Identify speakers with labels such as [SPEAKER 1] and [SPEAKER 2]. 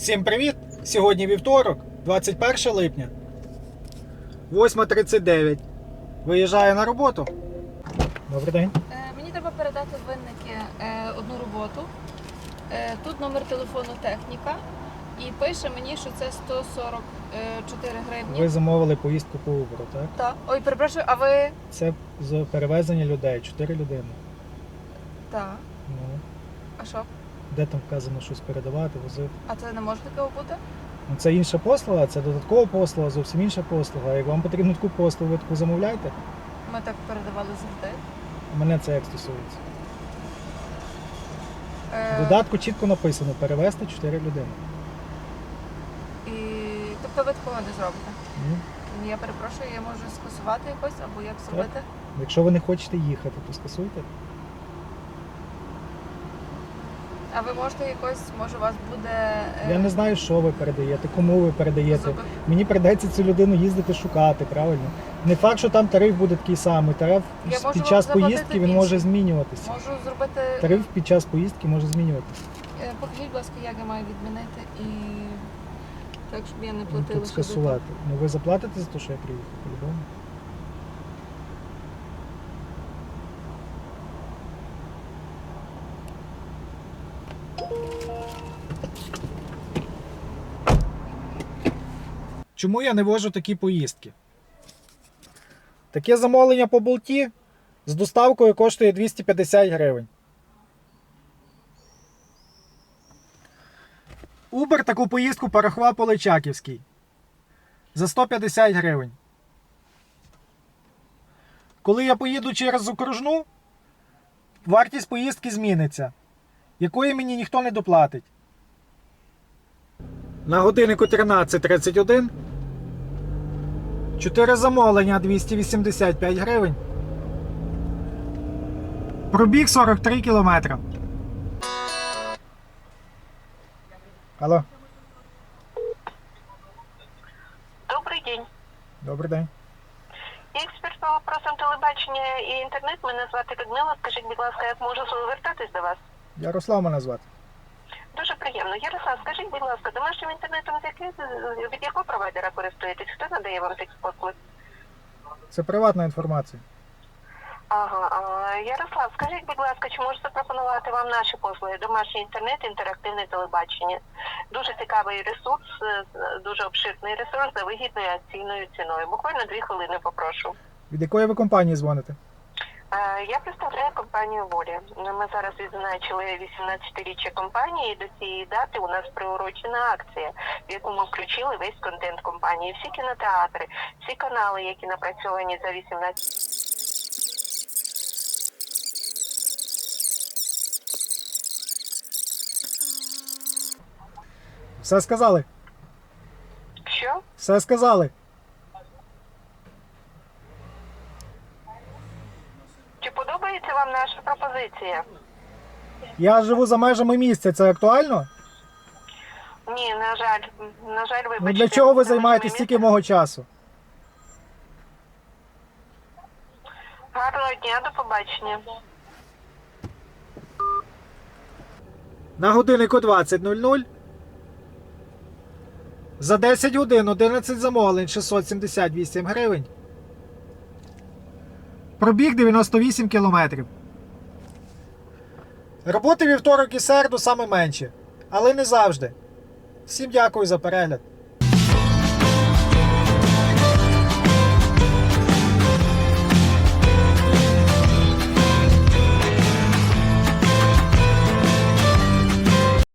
[SPEAKER 1] Всім привіт! Сьогодні вівторок, 21 липня, 8:39. Виїжджаю на роботу. Добрий день.
[SPEAKER 2] Мені треба передати в Винники одну роботу. Тут номер телефону техніка. І пише мені, що це 144 гривні.
[SPEAKER 1] Ви замовили поїздку по Uber, так?
[SPEAKER 2] Так. Ой, перепрошую, а ви?
[SPEAKER 1] Це з перевезення людей, 4 людини.
[SPEAKER 2] Так.
[SPEAKER 1] Ну,
[SPEAKER 2] А що?
[SPEAKER 1] де там вказано щось передавати, возити?
[SPEAKER 2] А це не може такого бути?
[SPEAKER 1] Ну, це інша послуга, це додаткова послуга, зовсім інша послуга. Як вам потрібно таку послугу, ви таку замовляйте.
[SPEAKER 2] Ми так передавали завжди.
[SPEAKER 1] Мене це як стосується. В додатку чітко написано перевезти 4 людини.
[SPEAKER 2] І... Тобто ви такого не зробите?
[SPEAKER 1] Ну,
[SPEAKER 2] Я перепрошую, я можу скасувати якось або як зробити?
[SPEAKER 1] якщо ви не хочете їхати, то скасуйте.
[SPEAKER 2] А ви можете якось, може у вас буде...
[SPEAKER 1] Я не знаю, що ви передаєте, кому ви передаєте.
[SPEAKER 2] зуби?
[SPEAKER 1] Мені прийдеться цю людину їздити шукати, правильно? Не факт, що там тариф буде такий самий. Тариф
[SPEAKER 2] Я можу
[SPEAKER 1] під час
[SPEAKER 2] вам заплатити
[SPEAKER 1] поїздки він
[SPEAKER 2] більше.
[SPEAKER 1] може змінюватися.
[SPEAKER 2] Можу зробити...
[SPEAKER 1] Тариф під час поїздки може змінюватися.
[SPEAKER 2] Покажіть, будь ласка, як я маю відмінити і так, щоб я не
[SPEAKER 1] Ну,
[SPEAKER 2] платила.
[SPEAKER 1] тут
[SPEAKER 2] ще
[SPEAKER 1] скасувати. Ну ви заплатите за те, що я приїхав, по-любому? Чому я не вожу такі поїздки? Таке замовлення по болті з доставкою коштує 250 гривень. Uber таку поїздку порахував по Личаківській за 150 гривень. Коли я поїду через окружну, вартість поїздки зміниться, якої мені ніхто не доплатить. На годиннику 13:31. 4 замовлення 285 гривень. Пробіг 43 кілометри. Алло.
[SPEAKER 3] Добрий день.
[SPEAKER 1] Добрий день.
[SPEAKER 3] Я експерт по вопросам телебачення і інтернет. Мене звати Людмила. Скажіть, будь ласка, як можу звертатись до вас?
[SPEAKER 1] Ярослав мене звати.
[SPEAKER 3] Дуже приємно. Ярослав, скажіть, будь ласка, домашнім інтернетом від якого провайдера користуєтесь? Хто надає вам такий послуг?
[SPEAKER 1] Це приватна інформація.
[SPEAKER 3] Ага. Ярослав, скажіть, будь ласка, чи можу запропонувати вам наші послуги? Домашній інтернет, інтерактивне телебачення. Дуже цікавий ресурс, дуже обширний ресурс за вигідною акційною ціною. Буквально 2 хвилини попрошу.
[SPEAKER 1] Від якої ви компанії дзвоните?
[SPEAKER 3] Я представляю компанію «Воля». Ми зараз відзначили 18-річчя компанії, і до цієї дати у нас приурочена акція, в яку ми включили весь контент компанії. Всі кінотеатри, всі канали, які напрацьовані за 18...
[SPEAKER 1] Все сказали?
[SPEAKER 3] Що?
[SPEAKER 1] Все сказали.
[SPEAKER 3] Чи подобається вам наша пропозиція?
[SPEAKER 1] Я живу за межами місця, це актуально?
[SPEAKER 3] Ні, на жаль, вибачте.
[SPEAKER 1] Ну для чого ви займаєтесь стільки мого часу?
[SPEAKER 3] Гарного дня, до побачення.
[SPEAKER 1] На годиннику 20:00. За 10 годин 11 замовлень 678 гривень. Пробіг 98 кілометрів. Роботи вівторок і середу саме менше. Але не завжди. Всім дякую за перегляд.